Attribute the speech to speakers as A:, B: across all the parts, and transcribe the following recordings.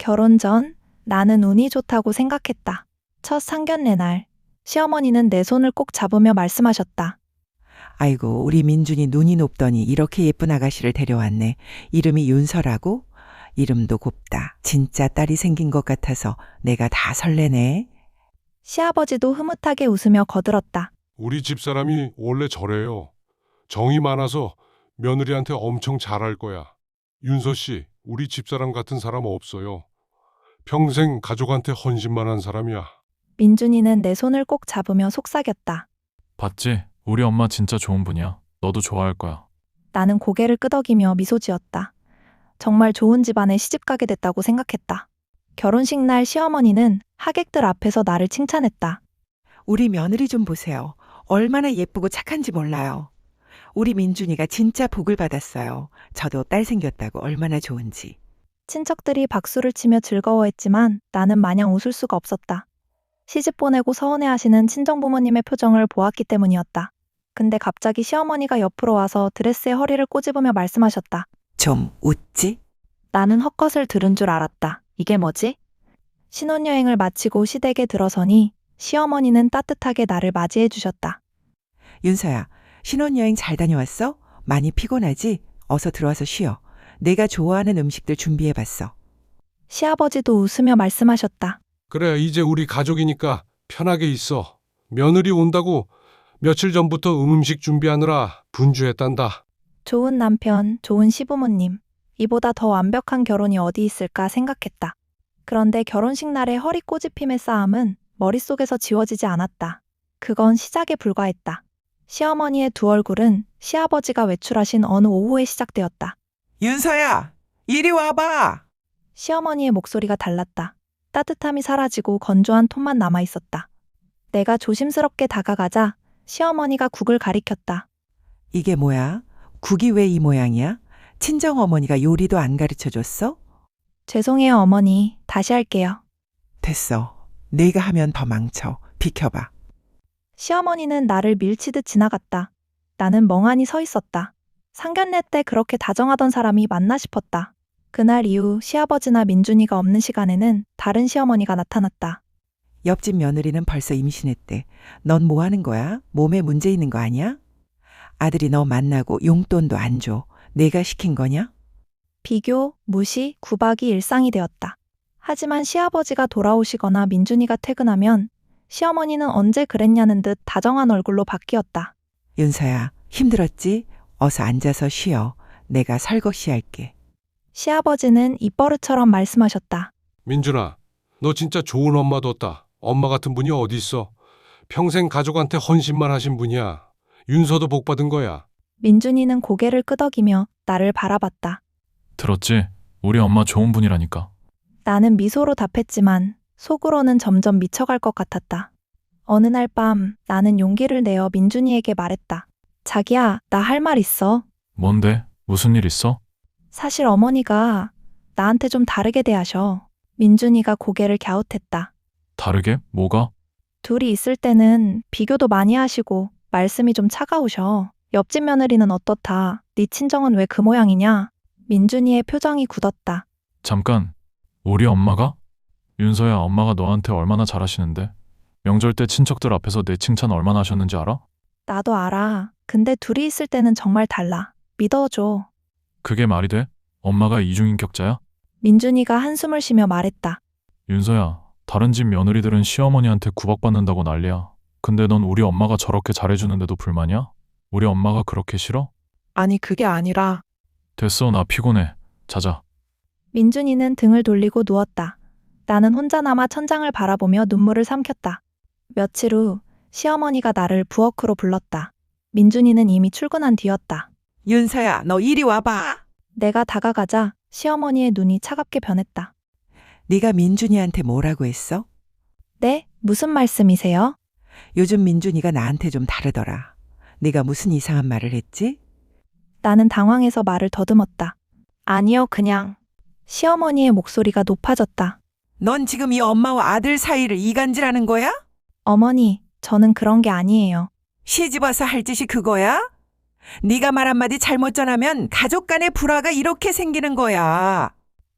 A: 결혼 전 나는 운이 좋다고 생각했다. 첫 상견례 날 시어머니는 내 손을 꼭 잡으며 말씀하셨다.
B: 아이고, 우리 민준이 눈이 높더니 이렇게 예쁜 아가씨를 데려왔네. 이름이 윤서라고? 이름도 곱다. 진짜 딸이 생긴 것 같아서 내가 다 설레네.
A: 시아버지도 흐뭇하게 웃으며 거들었다.
C: 우리 집사람이 원래 저래요. 정이 많아서 며느리한테 엄청 잘할 거야. 윤서 씨, 우리 집사람 같은 사람 없어요. 평생 가족한테 헌신만 한 사람이야.
A: 민준이는 내 손을 꼭 잡으며 속삭였다.
D: 봤지? 우리 엄마 진짜 좋은 분이야. 너도 좋아할 거야.
A: 나는 고개를 끄덕이며 미소 지었다. 정말 좋은 집안에 시집가게 됐다고 생각했다. 결혼식 날 시어머니는 하객들 앞에서 나를 칭찬했다.
B: 우리 며느리 좀 보세요. 얼마나 예쁘고 착한지 몰라요. 우리 민준이가 진짜 복을 받았어요. 저도 딸 생겼다고 얼마나 좋은지.
A: 친척들이 박수를 치며 즐거워했지만 나는 마냥 웃을 수가 없었다. 시집 보내고 서운해하시는 친정부모님의 표정을 보았기 때문이었다. 근데 갑자기 시어머니가 옆으로 와서 드레스에 허리를 꼬집으며 말씀하셨다.
B: 좀 웃지?
A: 나는 헛것을 들은 줄 알았다. 이게 뭐지? 신혼여행을 마치고 시댁에 들어서니 시어머니는 따뜻하게 나를 맞이해 주셨다.
B: 윤서야, 신혼여행 잘 다녀왔어? 많이 피곤하지? 어서 들어와서 쉬어. 내가 좋아하는 음식들 준비해봤어.
A: 시아버지도 웃으며 말씀하셨다.
C: 그래, 이제 우리 가족이니까 편하게 있어. 며느리 온다고 며칠 전부터 음식 준비하느라 분주했단다.
A: 좋은 남편, 좋은 시부모님. 이보다 더 완벽한 결혼이 어디 있을까 생각했다. 그런데 결혼식 날의 허리 꼬집힘의 싸움은 머릿속에서 지워지지 않았다. 그건 시작에 불과했다. 시어머니의 두 얼굴은 시아버지가 외출하신 어느 오후에 시작되었다.
B: 윤서야, 이리 와봐.
A: 시어머니의 목소리가 달랐다. 따뜻함이 사라지고 건조한 톤만 남아있었다. 내가 조심스럽게 다가가자 시어머니가 국을 가리켰다.
B: 이게 뭐야? 국이 왜 이 모양이야? 친정어머니가 요리도 안 가르쳐줬어?
A: 죄송해요 어머니. 다시 할게요.
B: 됐어. 내가 하면 더 망쳐. 비켜봐.
A: 시어머니는 나를 밀치듯 지나갔다. 나는 멍하니 서 있었다. 상견례 때 그렇게 다정하던 사람이 맞나 싶었다. 그날 이후 시아버지나 민준이가 없는 시간에는 다른 시어머니가 나타났다.
B: 옆집 며느리는 벌써 임신했대. 넌 뭐 하는 거야? 몸에 문제 있는 거 아니야? 아들이 너 만나고 용돈도 안 줘. 내가 시킨 거냐?
A: 비교, 무시, 구박이 일상이 되었다. 하지만 시아버지가 돌아오시거나 민준이가 퇴근하면 시어머니는 언제 그랬냐는 듯 다정한 얼굴로 바뀌었다.
B: 윤서야, 힘들었지? 어서 앉아서 쉬어. 내가 설거지 할게.
A: 시아버지는 입버릇처럼 말씀하셨다.
C: 민준아, 너 진짜 좋은 엄마 뒀다. 엄마 같은 분이 어디 있어? 평생 가족한테 헌신만 하신 분이야. 윤서도 복 받은 거야.
A: 민준이는 고개를 끄덕이며 나를 바라봤다.
D: 들었지? 우리 엄마 좋은 분이라니까.
A: 나는 미소로 답했지만 속으로는 점점 미쳐갈 것 같았다. 어느 날 밤 나는 용기를 내어 민준이에게 말했다. 자기야, 나 할 말 있어.
D: 뭔데? 무슨 일 있어?
A: 사실 어머니가 나한테 좀 다르게 대하셔. 민준이가 고개를 갸웃했다.
D: 다르게? 뭐가?
A: 둘이 있을 때는 비교도 많이 하시고 말씀이 좀 차가우셔. 옆집 며느리는 어떻다. 네 친정은 왜 그 모양이냐? 민준이의 표정이 굳었다.
D: 잠깐. 우리 엄마가? 윤서야, 엄마가 너한테 얼마나 잘하시는데? 명절 때 친척들 앞에서 내 칭찬 얼마나 하셨는지 알아?
A: 나도 알아. 근데 둘이 있을 때는 정말 달라. 믿어줘.
D: 그게 말이 돼? 엄마가 이중인격자야?
A: 민준이가 한숨을 쉬며 말했다.
D: 윤서야, 다른 집 며느리들은 시어머니한테 구박받는다고 난리야. 근데 넌 우리 엄마가 저렇게 잘해주는데도 불만이야? 우리 엄마가 그렇게 싫어?
E: 아니, 그게 아니라
D: 됐어, 나 피곤해. 자자.
A: 민준이는 등을 돌리고 누웠다. 나는 혼자 남아 천장을 바라보며 눈물을 삼켰다. 며칠 후 시어머니가 나를 부엌으로 불렀다. 민준이는 이미 출근한 뒤였다.
B: 윤서야, 너 이리 와봐.
A: 내가 다가가자 시어머니의 눈이 차갑게 변했다.
B: 네가 민준이한테 뭐라고 했어?
A: 네? 무슨 말씀이세요?
B: 요즘 민준이가 나한테 좀 다르더라. 네가 무슨 이상한 말을 했지?
A: 나는 당황해서 말을 더듬었다. 아니요, 그냥. 시어머니의 목소리가 높아졌다.
B: 넌 지금 이 엄마와 아들 사이를 이간질하는 거야?
A: 어머니, 저는 그런 게 아니에요.
B: 시집 와서 할 짓이 그거야? 네가 말 한마디 잘못 전하면 가족 간의 불화가 이렇게 생기는 거야.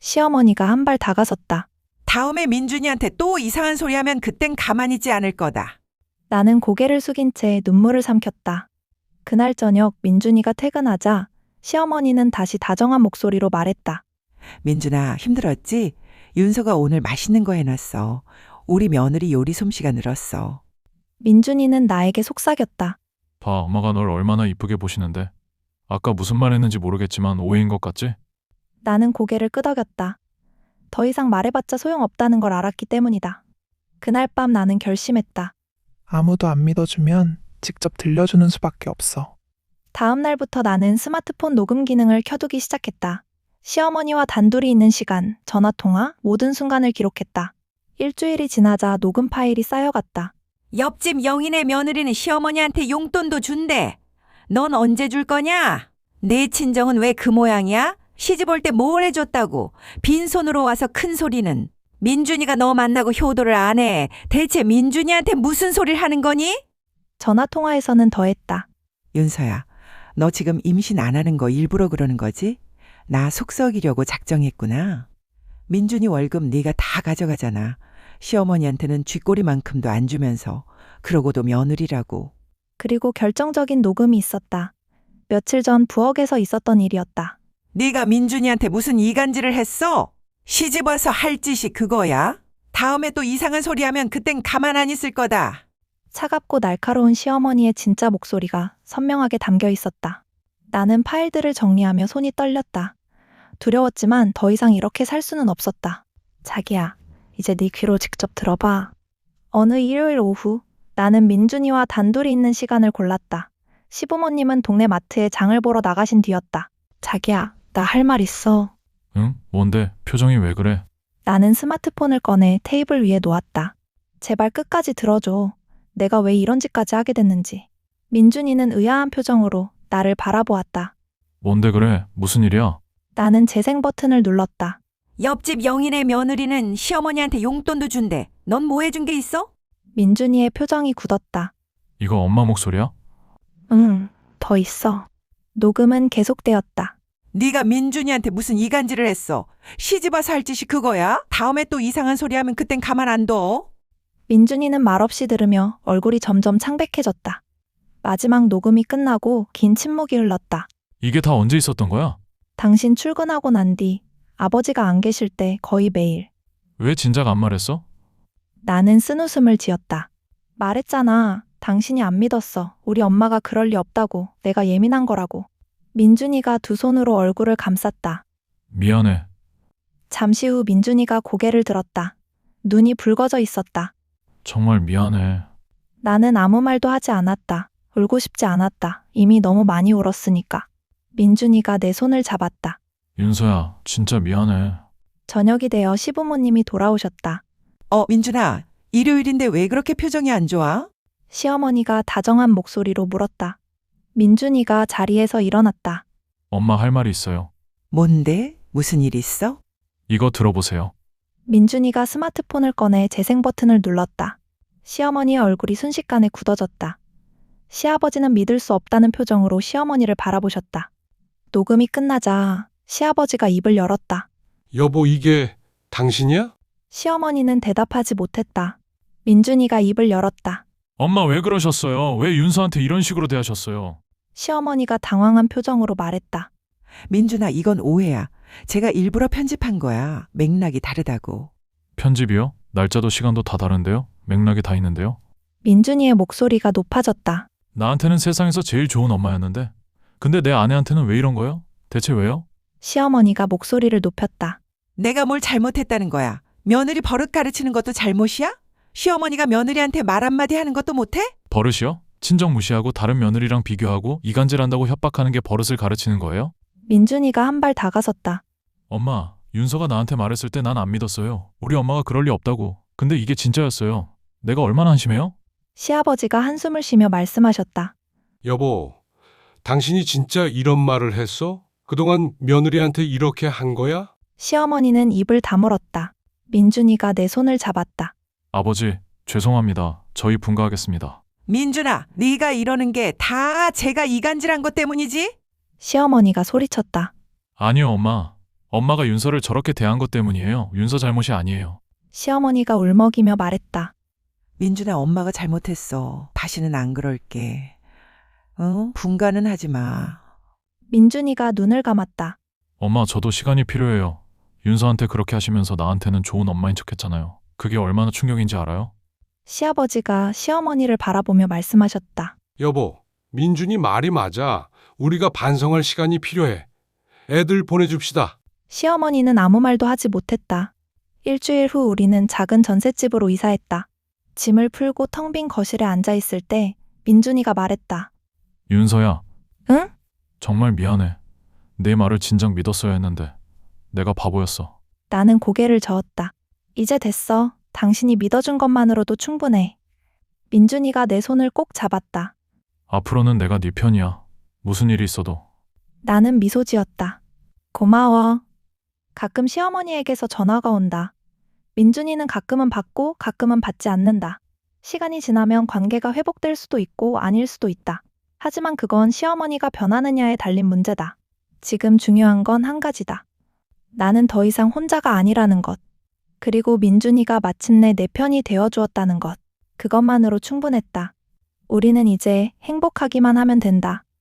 A: 시어머니가 한 발 다가섰다.
B: 다음에 민준이한테 또 이상한 소리 하면 그땐 가만히 있지 않을 거다.
A: 나는 고개를 숙인 채 눈물을 삼켰다. 그날 저녁 민준이가 퇴근하자 시어머니는 다시 다정한 목소리로 말했다.
B: 민준아, 힘들었지? 윤서가 오늘 맛있는 거 해놨어. 우리 며느리 요리 솜씨가 늘었어.
A: 민준이는 나에게 속삭였다.
D: 봐, 엄마가 널 얼마나 이쁘게 보시는데. 아까 무슨 말 했는지 모르겠지만 오해인 것 같지?
A: 나는 고개를 끄덕였다. 더 이상 말해봤자 소용없다는 걸 알았기 때문이다. 그날 밤 나는 결심했다.
E: 아무도 안 믿어주면 직접 들려주는 수밖에 없어.
A: 다음 날부터 나는 스마트폰 녹음 기능을 켜두기 시작했다. 시어머니와 단둘이 있는 시간, 전화통화, 모든 순간을 기록했다. 일주일이 지나자 녹음 파일이 쌓여갔다.
B: 옆집 영인의 며느리는 시어머니한테 용돈도 준대. 넌 언제 줄 거냐? 내 친정은 왜 그 모양이야? 시집 올 때 뭘 해줬다고? 빈손으로 와서 큰 소리는. 민준이가 너 만나고 효도를 안 해. 대체 민준이한테 무슨 소리를 하는 거니?
A: 전화통화에서는 더했다.
B: 윤서야, 너 지금 임신 안 하는 거 일부러 그러는 거지? 나 속썩이려고 작정했구나. 민준이 월급 네가 다 가져가잖아. 시어머니한테는 쥐꼬리만큼도 안 주면서. 그러고도 며느리라고.
A: 그리고 결정적인 녹음이 있었다. 며칠 전 부엌에서 있었던 일이었다.
B: 네가 민준이한테 무슨 이간질을 했어? 시집 와서 할 짓이 그거야? 다음에 또 이상한 소리 하면 그땐 가만 안 있을 거다.
A: 차갑고 날카로운 시어머니의 진짜 목소리가 선명하게 담겨 있었다. 나는 파일들을 정리하며 손이 떨렸다. 두려웠지만 더 이상 이렇게 살 수는 없었다. 자기야, 이제 네 귀로 직접 들어봐. 어느 일요일 오후, 나는 민준이와 단둘이 있는 시간을 골랐다. 시부모님은 동네 마트에 장을 보러 나가신 뒤였다. 자기야, 나 할 말 있어.
D: 응? 뭔데? 표정이 왜 그래?
A: 나는 스마트폰을 꺼내 테이블 위에 놓았다. 제발 끝까지 들어줘. 내가 왜 이런 짓까지 하게 됐는지. 민준이는 의아한 표정으로 나를 바라보았다.
D: 뭔데 그래? 무슨 일이야?
A: 나는 재생 버튼을 눌렀다.
B: 옆집 영인의 며느리는 시어머니한테 용돈도 준대. 넌 뭐 해준 게 있어?
A: 민준이의 표정이 굳었다.
D: 이거 엄마 목소리야?
A: 응, 더 있어. 녹음은 계속되었다.
B: 네가 민준이한테 무슨 이간질을 했어. 시집 와서 할 짓이 그거야? 다음에 또 이상한 소리 하면 그땐 가만 안 둬.
A: 민준이는 말없이 들으며 얼굴이 점점 창백해졌다. 마지막 녹음이 끝나고 긴 침묵이 흘렀다.
D: 이게 다 언제 있었던 거야?
A: 당신 출근하고 난 뒤 아버지가 안 계실 때 거의 매일.
D: 왜 진작 안 말했어?
A: 나는 쓴웃음을 지었다. 말했잖아. 당신이 안 믿었어. 우리 엄마가 그럴 리 없다고. 내가 예민한 거라고. 민준이가 두 손으로 얼굴을 감쌌다.
D: 미안해.
A: 잠시 후 민준이가 고개를 들었다. 눈이 붉어져 있었다.
D: 정말 미안해.
A: 나는 아무 말도 하지 않았다. 울고 싶지 않았다. 이미 너무 많이 울었으니까. 민준이가 내 손을 잡았다.
D: 윤서야, 진짜 미안해.
A: 저녁이 되어 시부모님이 돌아오셨다.
B: 민준아, 일요일인데 왜 그렇게 표정이 안 좋아?
A: 시어머니가 다정한 목소리로 물었다. 민준이가 자리에서 일어났다.
D: 엄마 할 말이 있어요.
B: 뭔데? 무슨 일 있어?
D: 이거 들어보세요.
A: 민준이가 스마트폰을 꺼내 재생 버튼을 눌렀다. 시어머니의 얼굴이 순식간에 굳어졌다. 시아버지는 믿을 수 없다는 표정으로 시어머니를 바라보셨다. 녹음이 끝나자 시아버지가 입을 열었다.
C: 여보, 이게 당신이야?
A: 시어머니는 대답하지 못했다. 민준이가 입을 열었다.
D: 엄마 왜 그러셨어요? 왜 윤서한테 이런 식으로 대하셨어요?
A: 시어머니가 당황한 표정으로 말했다.
B: 민준아, 이건 오해야. 제가 일부러 편집한 거야. 맥락이 다르다고.
D: 편집이요? 날짜도 시간도 다 다른데요? 맥락이 다 있는데요?
A: 민준이의 목소리가 높아졌다.
D: 나한테는 세상에서 제일 좋은 엄마였는데. 근데 내 아내한테는 왜 이런 거요? 대체 왜요?
A: 시어머니가 목소리를 높였다.
B: 내가 뭘 잘못했다는 거야. 며느리 버릇 가르치는 것도 잘못이야? 시어머니가 며느리한테 말 한마디 하는 것도 못해?
D: 버릇이요? 친정 무시하고 다른 며느리랑 비교하고 이간질한다고 협박하는 게 버릇을 가르치는 거예요?
A: 민준이가 한 발 다가섰다.
D: 엄마, 윤서가 나한테 말했을 때 난 안 믿었어요. 우리 엄마가 그럴 리 없다고. 근데 이게 진짜였어요. 내가 얼마나 한심해요?
A: 시아버지가 한숨을 쉬며 말씀하셨다.
C: 여보, 당신이 진짜 이런 말을 했어? 그동안 며느리한테 이렇게 한 거야?
A: 시어머니는 입을 다물었다. 민준이가 내 손을 잡았다.
D: 아버지, 죄송합니다. 저희 분가하겠습니다.
B: 민준아, 네가 이러는 게 다 제가 이간질한 것 때문이지?
A: 시어머니가 소리쳤다.
D: 아니요, 엄마. 엄마가 윤서를 저렇게 대한 것 때문이에요. 윤서 잘못이 아니에요.
A: 시어머니가 울먹이며 말했다.
B: 민준아, 엄마가 잘못했어. 다시는 안 그럴게. 분간은 하지 마.
A: 민준이가 눈을 감았다.
D: 엄마, 저도 시간이 필요해요. 윤서한테 그렇게 하시면서 나한테는 좋은 엄마인 척 했잖아요. 그게 얼마나 충격인지 알아요?
A: 시아버지가 시어머니를 바라보며 말씀하셨다.
C: 여보, 민준이 말이 맞아. 우리가 반성할 시간이 필요해. 애들 보내줍시다.
A: 시어머니는 아무 말도 하지 못했다. 일주일 후 우리는 작은 전셋집으로 이사했다. 짐을 풀고 텅 빈 거실에 앉아 있을 때 민준이가 말했다.
D: 윤서야.
A: 응?
D: 정말 미안해. 내 말을 진작 믿었어야 했는데 내가 바보였어.
A: 나는 고개를 저었다. 이제 됐어. 당신이 믿어준 것만으로도 충분해. 민준이가 내 손을 꼭 잡았다.
D: 앞으로는 내가 네 편이야. 무슨 일이 있어도.
A: 나는 미소 지었다. 고마워. 가끔 시어머니에게서 전화가 온다. 민준이는 가끔은 받고 가끔은 받지 않는다. 시간이 지나면 관계가 회복될 수도 있고 아닐 수도 있다. 하지만 그건 시어머니가 변하느냐에 달린 문제다. 지금 중요한 건 한 가지다. 나는 더 이상 혼자가 아니라는 것. 그리고 민준이가 마침내 내 편이 되어주었다는 것. 그것만으로 충분했다. 우리는 이제 행복하기만 하면 된다.